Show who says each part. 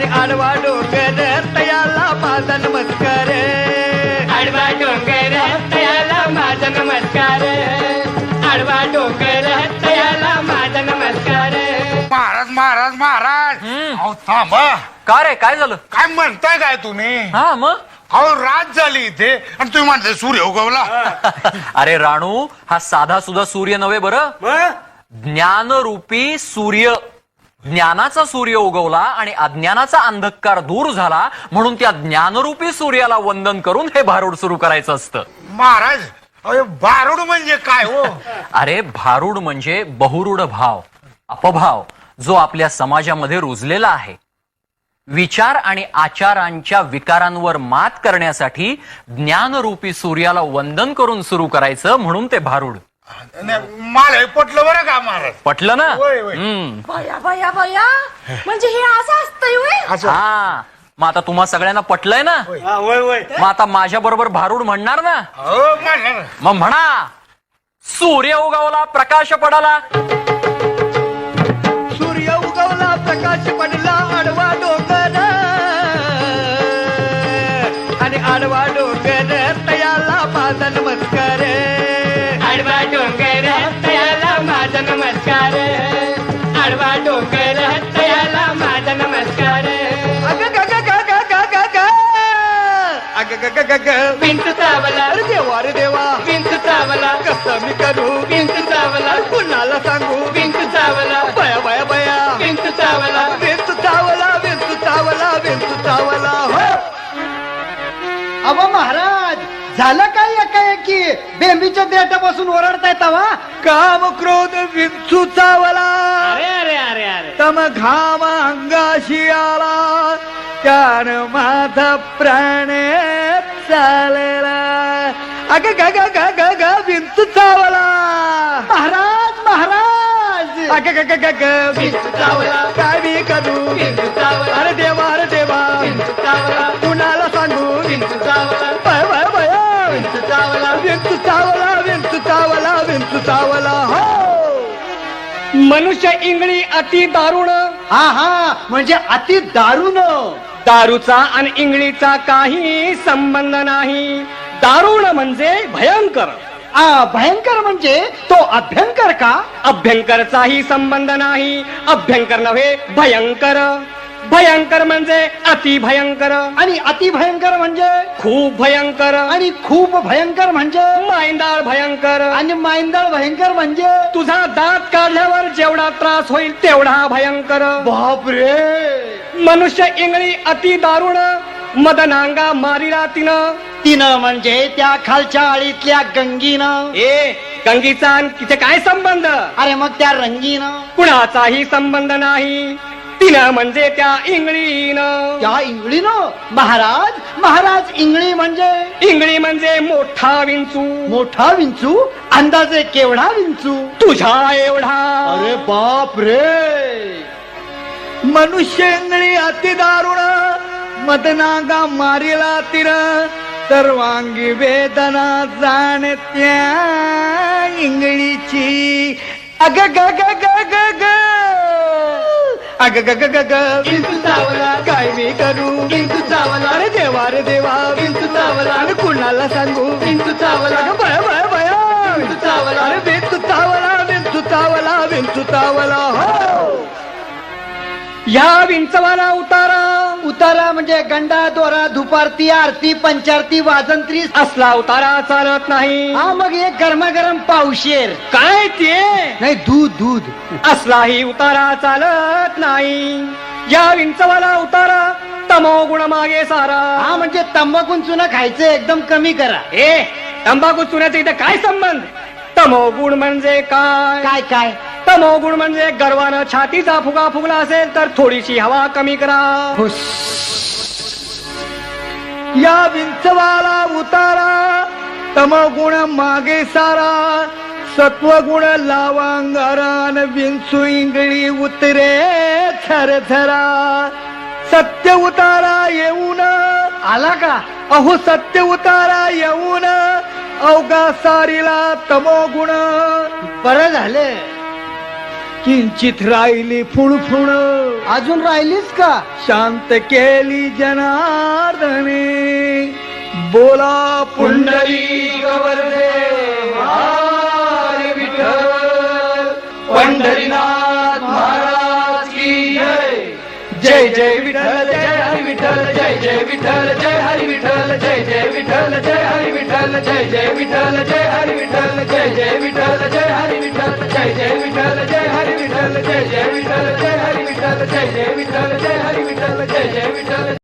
Speaker 1: आणि आडवा डोंगर तयाला माझा नमस्कार.
Speaker 2: आडवा डोंगर तयाला माझा नमस्कार. आडवा डोंगर तयाला माझा नमस्कार.
Speaker 3: महाराज महाराज महाराज अहो थांबा.
Speaker 4: का रे काय झालं?
Speaker 3: काय म्हणताय काय तुम्ही?
Speaker 4: हा मग
Speaker 3: अहो रात झाली इथे आणि तुम्ही म्हणताय सूर्य उगवला.
Speaker 4: अरे राणू, हा साधा सुद्धा सूर्य नव्हे बरं. ज्ञानरूपी सूर्य, ज्ञानाचा सूर्य उगवला आणि अज्ञानाचा अंधकार दूर झाला, म्हणून त्या ज्ञानरूपी सूर्याला वंदन करून हे भारूड सुरू करायचं असतं.
Speaker 3: महाराज अरे भारूड म्हणजे काय हो?
Speaker 4: अरे भारूड म्हणजे बहुरूढ भाव, अपभाव, जो आपल्या समाजामध्ये रुजलेला आहे. विचार आणि आचारांच्या विकारांवर मात करण्यासाठी ज्ञानरूपी सूर्याला वंदन करून सुरू करायचं, म्हणून ते भारूड.
Speaker 3: मला हे पटलं बरं का महाराज.
Speaker 4: पटलं ना?
Speaker 3: होय, होय.
Speaker 5: बया बया बया, म्हणजे हे असं असतंय होय?
Speaker 3: असं
Speaker 4: हा, मग आता तुम्हा सगळ्यांना पटलंय ना? मग आता माझ्या बरोबर भारूड म्हणणार ना?
Speaker 3: हो म्हणणार.
Speaker 4: मग म्हणा, सूर्य उगवला प्रकाश पडाला.
Speaker 1: सूर्य उगवला प्रकाश पडला आडवा डोंगर आणि आडवा डोंगर तयाला माझा नमस्कार.
Speaker 2: आडवा डोंगर तयाला माझा नमस्कार. आडवा डोंगर तयाला माझा नमस्कार.
Speaker 1: अग ग ग ग ग ग ग ग अग ग ग ग ग
Speaker 2: विंच चावला,
Speaker 1: अरे देवा रे देवा,
Speaker 2: विंच चावला,
Speaker 1: कसं मी करू,
Speaker 2: विंच चावला,
Speaker 1: कुणाला सांगू,
Speaker 2: विंच चावला,
Speaker 1: बया बया बया,
Speaker 2: विंच चावला.
Speaker 1: विंचू चावला विंचू चावला विंचू चावला. हो
Speaker 6: अहो महाराज, झालं काय एकाएकी बेंबीच्या देठापासून ओरडताय तवा?
Speaker 1: काम क्रोध विंचू चावला,
Speaker 2: अरे अरे अरे अरे,
Speaker 1: तम घाम अंगाशी आला, त्यानं माझा प्राण चालला. अग ग ग ग ग ग विंचू चावला.
Speaker 6: महाराज महाराज,
Speaker 1: अग ग ग ग ग विंचू चावला, काय मी करू,
Speaker 2: विंच चावला,
Speaker 1: अरे देवा रे देवा,
Speaker 2: विंच चावला,
Speaker 1: कुणाला सांगू,
Speaker 2: विंच चावला,
Speaker 1: बया बया बया,
Speaker 2: विंच चावला.
Speaker 1: विंचू चावला विंचू चावला विंचू चावला. हो
Speaker 2: मनुष्य इंगळी अति दारुण.
Speaker 6: हा हा, म्हणजे अति दारुण.
Speaker 2: दारूचा आणि इंगळीचा काही संबंध नाही. दारुण म्हणजे भयंकर.
Speaker 6: भयंकर म्हणजे तो अभ्यंकर का?
Speaker 2: अभ्यंकरचाही संबंध नाही. अभ्यंकर नव्हे, भयंकर. भयंकर म्हणजे अति भयंकर.
Speaker 6: आणि अति भयंकर म्हणजे?
Speaker 2: खूप भयंकर.
Speaker 6: आणि खूप भयंकर म्हणजे?
Speaker 2: मायंदाळ भयंकर.
Speaker 6: आणि मायंदाळ भयंकर म्हणजे?
Speaker 2: तुझा दात काढल्यावर जेवढा त्रास होईल तेवढा भयंकर.
Speaker 6: बापरे.
Speaker 2: मनुष्य इंगळी अति दारुण. मदनांगा मारिला
Speaker 6: तिनं म्हणजे त्या खालच्या आळीतल्या गंगीनं.
Speaker 2: गंगीचा आणि तिथे काय संबंध?
Speaker 6: अरे मग त्या रंगीनं?
Speaker 2: कुणाचाही संबंध नाही. तिनं म्हणजे त्या इंगळीनं.
Speaker 6: त्या इंगळीनं? महाराज महाराज, इंगळी म्हणजे?
Speaker 2: इंगळी म्हणजे मोठा विंचू.
Speaker 6: मोठा विंचू? अंदाजे केवढा विंचू?
Speaker 2: तुझ्या एवढा.
Speaker 6: अरे बाप रे.
Speaker 1: मनुष्य इंगळी अति दारुण, मदनागा मारिला तिर, सर्वांगी वेदना जाणत्या इंगळीची. अग ग ग ग ग ग अग ग ग ग ग
Speaker 2: विंचू चावला,
Speaker 1: काय मी करू,
Speaker 2: विंचू चावला,
Speaker 1: अरे देवा रे देवा,
Speaker 2: विंचू चावला,
Speaker 1: अरे कुणाला सांगू,
Speaker 2: विंचू चावला,
Speaker 1: अगं बया बया बया,
Speaker 2: विंचू चावला,
Speaker 1: अरे विंचू चावला विंचू चावला विंचू चावला. हो
Speaker 2: या विंचवाला उतारा.
Speaker 6: उतारा म्हणजे गंडा, दोरा, दुपारती, आरती, पंचारती, वाजंत्री
Speaker 2: असला उतारा चालत नाही.
Speaker 6: हा, मग एक गरमागरम पावशेर.
Speaker 2: काय ते?
Speaker 6: नाही, दूध दूध.
Speaker 2: असलाही उतारा चालत नाही. या विंचवाला उतारा तमो गुण मागे सारा.
Speaker 6: हा, म्हणजे तंबाखून चुना खायचं एकदम कमी करा.
Speaker 2: तंबाखू चुन्याचा इथे काय संबंध? तमोगुण म्हणजे काय?
Speaker 6: काय काय?
Speaker 2: तमोगुण म्हणजे गर्वानं छातीचा फुगा फुगला असेल तर थोडीशी हवा कमी करा.
Speaker 1: या विंचवाला उतारा, तमगुण मागे सारा, सत्वगुण लावांगारान, विंचू इंगळी उतरे थरथरा. सत्य उतारा येऊन
Speaker 6: आला का?
Speaker 1: अहो सत्य उतारा येऊन अवघा सारीला तमोगुण.
Speaker 6: बरं झालं.
Speaker 1: किंचित राहिली फुणफुण
Speaker 6: अजून राहिलीस का
Speaker 1: शांत केली जनार्दने बोला पुंडली गवर्धे हरी विठ्ठल पंढरीनाथ महाराज की जय जय जय विठ्ठल जय हरी विठ्ठल जय जय विठ्ठल जय हरी विठ्ठल जय जय विठ्ठल जय हरी विठ्ठल जय जय विठ्ठल जय हरी विठ्ठल जय जय विठ्ठल जय हरी विठ्ठल जय जय विठ्ठल जय हरी विठ्ठल जय जय विठ्ठल जय हरी विठ्ठल जय जय विठ्ठल जय हरी विठ्ठल जय जय विठ्ठल